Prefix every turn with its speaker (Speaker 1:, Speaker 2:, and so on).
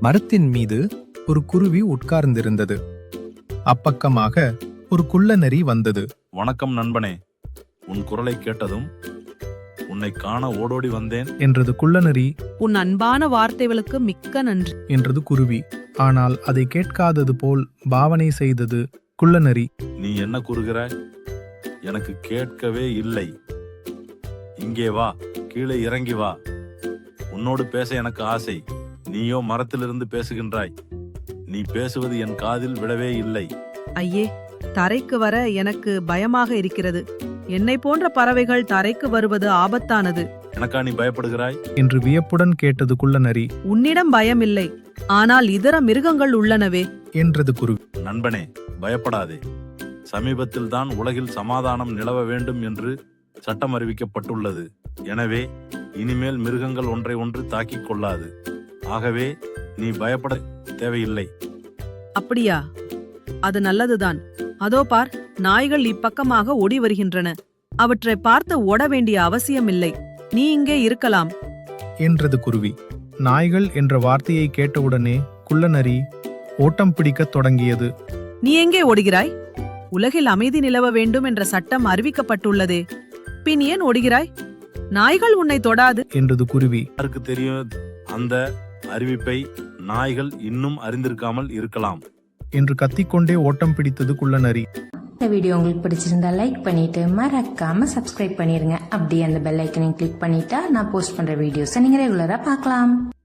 Speaker 1: மரத்தின் மீது ஒரு குருவி உட்கார்ந்திருந்தது. அப்பக்கமாக ஒரு குள்ளநரி வந்தது.
Speaker 2: வணக்கம் நண்பனே, உன் குரலை கேட்டதும் உன்னை காண ஓடோடி வந்தேன்
Speaker 1: என்றது குள்ளநரி.
Speaker 3: உன் அன்பான வார்த்தைகளுக்கு மிக்க நன்றி
Speaker 1: என்றது குருவி. ஆனால் அதை கேட்காதது போல் பாவனை செய்தது குள்ளநரி.
Speaker 2: நீ என்ன கூறுகிறாய்? எனக்கு கேட்கவே இல்லை. இங்கே வா, கீழே இறங்கி வா. உன்னோடு பேச எனக்கு ஆசை. நீயோ மரத்திலிருந்து பேசுகின்றாய். நீ பேசுவது என் காதில் விழவே இல்லை.
Speaker 3: ஐயே, தரைக்கு வர எனக்கு பயமாக இருக்கிறது. என்னை போன்ற பறவைகள் தரைக்கு வருவது ஆபத்தானது.
Speaker 2: எனக்கா நீ பயப்படுகிறாய்
Speaker 1: என்று வியப்புடன் கேட்டது குள்ளநரி.
Speaker 3: உன்னிடம் பயம் இல்லை, ஆனால் இதர மிருகங்கள் உள்ளனவே
Speaker 1: என்றது குருவி.
Speaker 2: நண்பனே, பயப்படாதே. சமீபத்தில் தான் உலகில் சமாதானம் நிலவ வேண்டும் என்று சட்டம் அறிவிக்கப்பட்டுள்ளது. எனவே இனிமேல் மிருகங்கள் ஒன்றை ஒன்று தாக்கிக் கொள்ளாது. ஆகவே நீ பயப்பட தேவையில்லை.
Speaker 3: அப்படியா? அது நல்லதுதான். அதோ பார், நாய்கள் இப்பக்கமாக ஓடி வருகின்றன. அவற்றை பார்த்து ஓட வேண்டிய அவசியமில்லை. நீ இங்கே இருக்கலாம்
Speaker 1: என்றது குருவி. நாய்கள் என்ற வார்த்தையை கேட்டவுடனே குள்ளநரி ஓட்டம் பிடிக்கத் தொடங்கியது.
Speaker 3: நீ எங்கே ஓடுகிறாய்? உலகில் அமைதி நிலவ வேண்டும் என்ற சட்டம் அறிவிக்கப்பட்டுள்ளதே. பின் ஏன் ஓடுகிறாய்? நாய்கள் உன்னை தொடாது
Speaker 1: என்றது குருவி.
Speaker 2: யாருக்கு தெரியும், அந்த அறிவிப்பை நாய்கள் இன்னும் அறிந்திருக்காமல் இருக்கலாம்
Speaker 1: என்று கத்திக்கொண்டே ஓட்டம் பிடித்தது குள்ளநரி.
Speaker 4: இந்த வீடியோ உங்களுக்கு பிடிச்சிருந்தா லைக் பண்ணிட்டு மறக்காம சப்ஸ்கிரைப் பண்ணிருங்க. அப்படியே அந்த பெல் ஐக்கனையும் கிளிக் பண்ணிட்டா நான் போஸ்ட் பண்ற வீடியோஸை நீங்க ரெகுலரா பார்க்கலாம்.